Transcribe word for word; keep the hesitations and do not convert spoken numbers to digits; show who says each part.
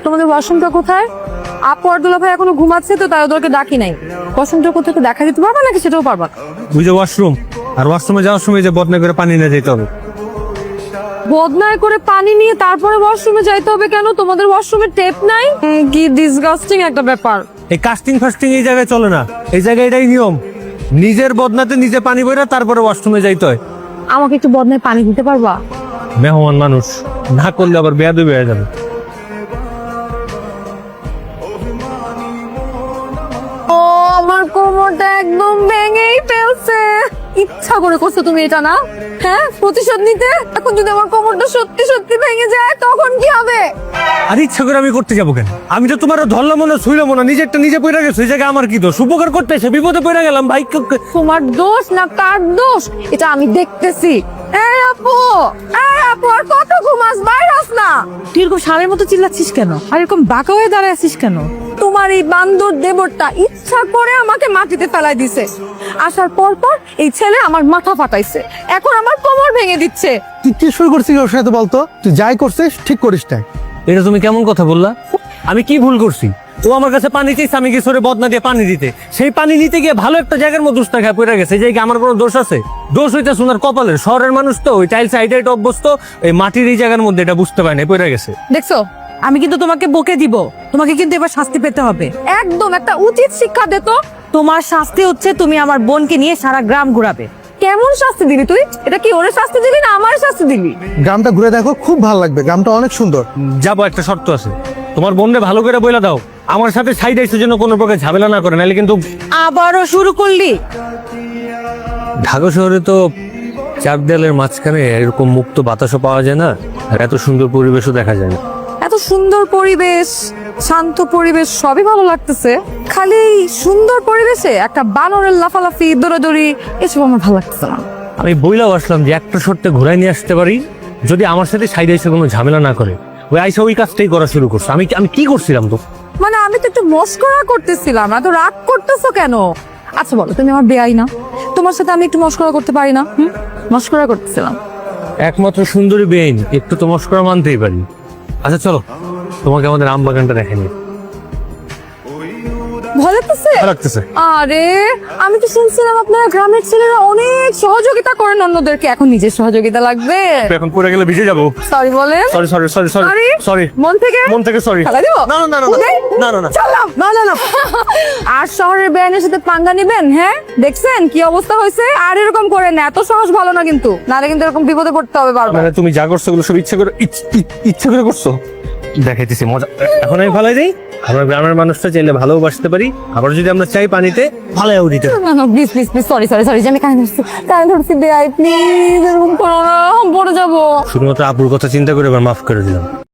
Speaker 1: তোমাদের ওয়াশরুমটা কোথায়? আপু আর দুলা ভাই এখনো ঘুমাচ্ছে তো তাই ওদেরকে ডাকি নাই। ওয়াশরুমটা কোথায় একটু দেখা দিতে পারবা নাকি সেটাও পারবা না?
Speaker 2: ওই যে ওয়াশরুম, আর ওয়াশরুমে যাওয়ার সময় যে বদনা করে পানি নিয়ে যেতে হবে।
Speaker 1: বদনায় করে পানি নিয়ে তারপরে ওয়াশরুমে যাইতে হবে কেন? তোমাদের ওয়াশরুমে টেপ নাই? উম, কি ডিসগাস্টিং একটা ব্যাপার।
Speaker 2: এই কাস্টিং ফাস্টিং এই জায়গায় চলে না, এই জায়গায় এটাই নিয়ম। নিজের বদনাতে নিজে পানি বইরা তারপরে ওয়াশরুমে যাইতে হয়।
Speaker 1: আমাকে একটু বদনায় পানি দিতে পারবা?
Speaker 2: মেহমান মানুষ, না করলে আবার বেয়াদবি হয়ে যাবে।
Speaker 1: ও আমার কোমরটা একদম ভেঙেই ফেলছে। ইচ্ছা করে করছো তুমি এটা না? হ্যাঁ, প্রতিশোধ নিতে? এখন যদি আমার কোমরটা সত্যি সত্যি ভেঙে যায় তখন কি হবে?
Speaker 2: আর ইচ্ছা করে আমি করতে যাবো কেন? আমি তো তোমার ধরলাম না, ছুইলাম না, নিজেরটা নিজে পড়ে গেছে। এই জায়গায় আমার কি দোষ? উপকার করতে এসে বিপদে পড়ে গেলাম ভাই।
Speaker 1: তোমার দোষ না কার দোষ এটা আমি দেখতেছি। এই আপু, এই আপু, আর কত ঘুমাস? বাইরাস না।
Speaker 3: তুই এরকম সারের মতো চিল্লাচ্ছিস কেন? আর এরকম বাঁকা হয়ে দাঁড়ায় আছিস কেন?
Speaker 1: তোমার এই বান্দর দেবরটা ইচ্ছা করে আমাকে মাটিতে ফেলাই দিছে। আসার পর পর এই ছেলে আমার মাথা ফাটাইছে, এখন আমার কোমর ভেঙে দিচ্ছে।
Speaker 4: তুই কি শুরু করছিস ওর সাথে বলতো? তুই যাই করছিস ঠিক করিস না।
Speaker 2: এটা তুমি কেমন কথা বললা? আমি কি ভুল করছি? ও আমার কাছে পানি চাইছে, আমি গেছি ওরে বদনা দিয়ে পানি দিতে। সেই পানি নিতে গিয়ে ভালো একটা জায়গার মধ্যে উস্তা খায় পড়ে গেছে। যে আমার কোনো দোষ আছে? দোষ হইতে সোনার কপালের। শহরের মানুষ তো ওই টাইলস হাইটে অভ্যস্ত, এই মাটির এই জায়গার মধ্যে এটা বুঝতে পারে না, পড়ে গেছে।
Speaker 1: দেখছো,
Speaker 3: আমি কিন্তু তোমাকে বকে দিব। তোমাকে কিন্তু এবার শাস্তি পেতে হবে।
Speaker 1: একদম একটা উচিত শিক্ষা দে তো।
Speaker 3: তোমার শাস্তি হচ্ছে তুমি আমার বোনকে নিয়ে সারা গ্রাম ঘুরাবে।
Speaker 1: কেমন শাস্তি দিলি তুই? এটা কি ওরে শাস্তি দিলি না আমার শাস্তি দিলি?
Speaker 4: গ্রামটা ঘুরে দেখো, খুব ভালো লাগবে। গ্রামটা অনেক সুন্দর।
Speaker 2: যাবো, একটা শর্ত আছে। তোমার বোনরে ভালো করে বইলা দাও আমার সাথে সাইড আইসের জন্য কোনো প্রকার ঝামেলা না করে, নাহলে কিন্তু।
Speaker 3: আবারও শুরু করলি?
Speaker 2: ঢাকা শহরে তো চার দেয়ালের মাঝখানে এরকম মুক্ত বাতাসও পাওয়া যায় না, আর এত সুন্দর পরিবেশও দেখা যায় না।
Speaker 1: এত সুন্দর পরিবেশ, শান্ত পরিবেশ, সবই ভালো লাগতেছে। খালি এই সুন্দর পরিবেশে একটা বানরের লাফালাফি, দৌড়াদৌড়ি, এসব আমার ভালো লাগতেছে না।
Speaker 2: আমি বইলাও আসলাম যে একটা শর্তে ঘুরাই নিয়ে আসতে পারি, যদি আমার সাথে সাইড আইসে কোনো ঝামেলা না করে। ওই আইসা ওই কাজটাই করা শুরু করছে। আমি আমি কি করছিলাম তো?
Speaker 1: মানে আমি তো একটু মস্করা করতেছিলাম, এত রাগ করতেছো কেন? আচ্ছা বলো, তুমি আমার বেয়াই না? তোমার সাথে আমি একটু মস্করা করতে পারি না? হুম, মস্করা করতেছিলাম।
Speaker 2: একমাত্র সুন্দরী বেইন, একটু তো মস্করা মানতেই পারি। আচ্ছা চলো, তোমাকে আমাদের আম বাগানটা দেখেনি।
Speaker 1: ভয় লাগতেছে?
Speaker 2: ভালো লাগতেছে।
Speaker 1: আরে আমি তো শুনছিলাম আপনারা গ্রামের ছেলেরা অনেক সহযোগিতা করেন অন্যদেরকে, এখন নিজের সহযোগিতা লাগবে?
Speaker 2: এখন পড়ে গেলে ভিজে যাবো।
Speaker 1: সরি বলেন।
Speaker 2: Sorry sorry sorry sorry
Speaker 1: sorry
Speaker 2: sorry
Speaker 1: মন থেকে?
Speaker 2: মন থেকে সরি।
Speaker 1: ফেলা দিব?
Speaker 2: না না না না
Speaker 1: উদয়?
Speaker 2: না না না
Speaker 1: চললাম। না না না। আর শহরের বেআইনের সাথে পাঙ্গা নিবেন? হ্যাঁ, দেখছেন কি অবস্থা হয়েছে? আর এরকম করেন না, এত সাহস ভালো না কিন্তু, নাহলে কিন্তু এরকম বিপদে পড়তে হবে বারবার।
Speaker 2: মানে তুমি যা করছো ওগুলো সব ইচ্ছা করে ইচ- ইচ- ইচ্ছা করে করছো? দেখাইতেছি মজা। এখন আমি ভালাই দিই। আমরা গ্রামের মানুষটা চাইলে ভালোবাসতে পারি, আবার যদি আমরা চাই পানিতে ভালোও দিতে পারি।
Speaker 1: না না, please please please, sorry sorry sorry, যে আমি কানে ধরছি, কানে ধরছি বেআই, প্লিজ এরকম করো না, পড়ে যাবো।
Speaker 2: শুধুমাত্র আপুর কথা চিন্তা করে এবার মাফ করে দিলাম।